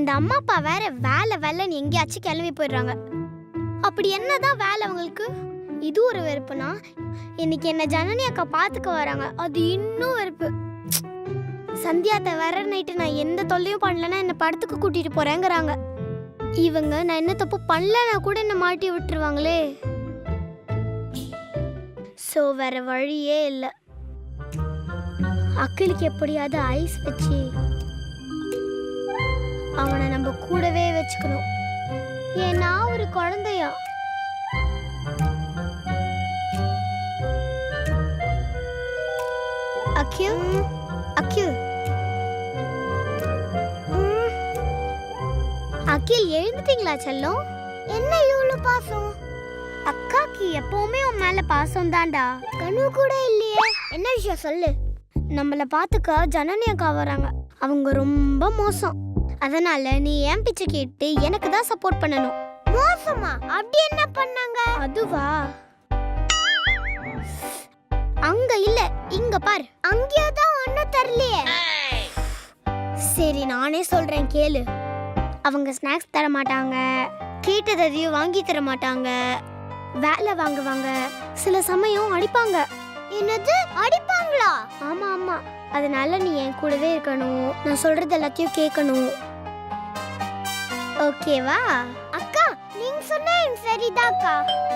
அந்த அம்மா அப்பா வேற வேலை வேலைன்னு எங்கேயாச்சும் கிளம்பி போயிடுறாங்க. அப்படி என்னதான் வேலை அவங்களுக்கு? இது ஒரு வெறுப்புனா, இன்னைக்கு என்ன ஜனனி அக்கா பார்த்துக்க வராங்க, அது இன்னும் வெறுப்பு. சந்தியாத்த வர நைட்டு நான் எந்த தொல்லையும் பண்ணலன்னா என்ன படத்துக்கு கூட்டிட்டு போறேங்கிறாங்க. இவங்க நான் என்ன தப்பு பண்ணலன்னா கூட என்ன மாட்டி விட்டுருவாங்களே. ஸோ வேற வழியே இல்லை. அக்கிலுக்கு எப்படியாவது ஐஸ் வச்சு அவனை நம்ம கூடவே வச்சுக்கணும். ஏன்னா ஒரு குழந்தையா. அக்கில் அக்கில் அகில், எழுந்துட்டீங்களா செல்லம்? என்ன இவ்வளவு பாசம்? அக்காக்கு எப்பவுமே உன் மேல பாசம் தான்டா. கனவு கூட இல்லையே. என்ன விஷயம் சொல்லு. நம்மள பாத்துக்க ஜனனி அக்கா வராங்க. அவங்க ரொம்ப மோசம். அதனால நீ என் பிச்சை கேட்டு எனக்கு தான் சப்போர்ட் பண்ணணும். மோசமா? அப்படி என்ன பண்ணாங்க? அதுவா, அங்க இல்ல இங்க பாரு. அங்கேதான் ஒண்ணும் தெரியலையே. சரி நானே சொல்றேன் கேளு. அவங்க ஸ்நாக்ஸ் தர மாட்டாங்க, கேட்டதையும் வாங்கி தர மாட்டாங்க, வேலை வாங்குவாங்க, சில சமயம் அடிப்பாங்க. என்னது, அடிப்பாங்களா? ஆமா ஆமா. அதனால நீ என் கூடவே இருக்கணும், நான் சொல்றது எல்லாத்தையும் கேட்கணும். ஓகேவா? அக்கா நீங்க சொன்ன சரிதாக்கா.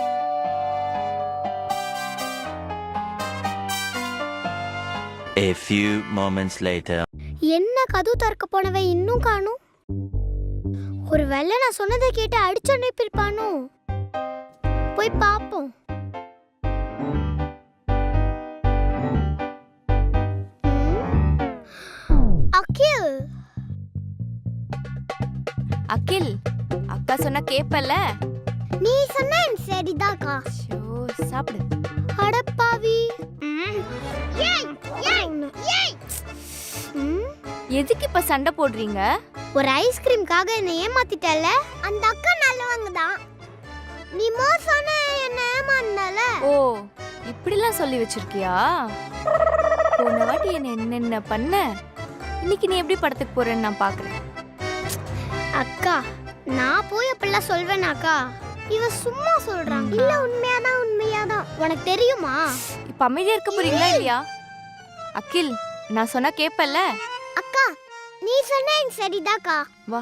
A few moments later. என்ன கதவு திறக்க போனவன் இன்னும் காணும்? ஒருவேளை நான் சொன்னதை கேட்டு அடிச்சு அனுப்பியிருப்பானோ? போய் பாப்போம். அகில் அகில், அக்கா சொன்னா கேப்பல? நீ சொன்ன சரிதாக்கா. ஷோ, சாப்பிடு. அடப்பாவி. எதுக்கு இப்ப சண்டை போடுறீங்க? ஒரு ஐஸ்கிரீம்காக என்ன ஏமாத்திட்டல. அந்த அக்கா நல்லவங்க தான். நீ மோசமான என்ன ஏமாந்தல. ஓ, இப்படிலாம் சொல்லி வச்சிருக்கியா? போன வாட்டி என்ன என்னென்ன பண்ண, இன்னைக்கு நீ எப்படி படத்துக்கு போறேன்னு நான் பாக்குறேன். அக்கா நான் போய் அப்படிலாம் சொல்வேனாக்கா? இவ சும்மா சொல்றாங்க. இல்ல உண்மையாதான். உனக்கு தெரியுமா? இப்ப அமைதியா இருக்க போறீங்களா இல்லையா? அகில், நான் சொன்னா கேப்பல? அக்கா நீ சொன்ன சரிதாக்கா. வா.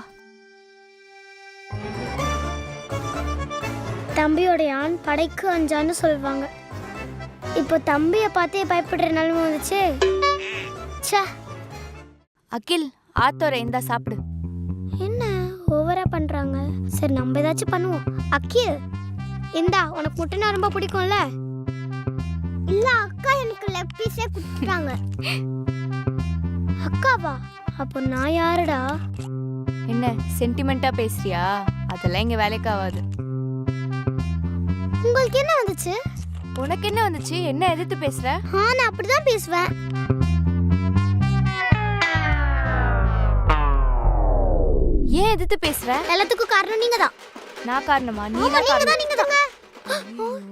தம்பியோட ஆண் படைக்கு அஞ்சான்னு சொல்லுவாங்க. இப்போ தம்பிய பார்த்தே பயப்படுற நிலைமை வந்துச்சு. ச்சே. அகில், ஆத்தோர இந்தா சாப்பிடு. என்ன ஓவரா பண்றாங்க? சரி நம்ம ஏதாச்சும் பண்ணுவோம். அகில் இந்தா, உனக்கு முட்டைனா ரொம்ப பிடிக்கும்ல? இல்ல அக்கா எனக்கு லெக் பீஸே கொடுத்துட்டாங்க. அக்காவா? அப்போ நான் யாருடா? என்ன சென்டிமெண்டா பேசுறியா? அதெல்லாம் இங்க வேலைக்கு ஆகாது. உங்களுக்கு என்ன வந்துச்சு? உனக்கு என்ன வந்துச்சு? என்ன எதிர்த்து பேசுற? நான் அப்படிதான் பேசுவேன். ஏன் எதிர்த்து பேசுற? எல்லாத்துக்கும் காரணம் நீங்க தான். நான் காரணமா? நீ நீங்க தான்.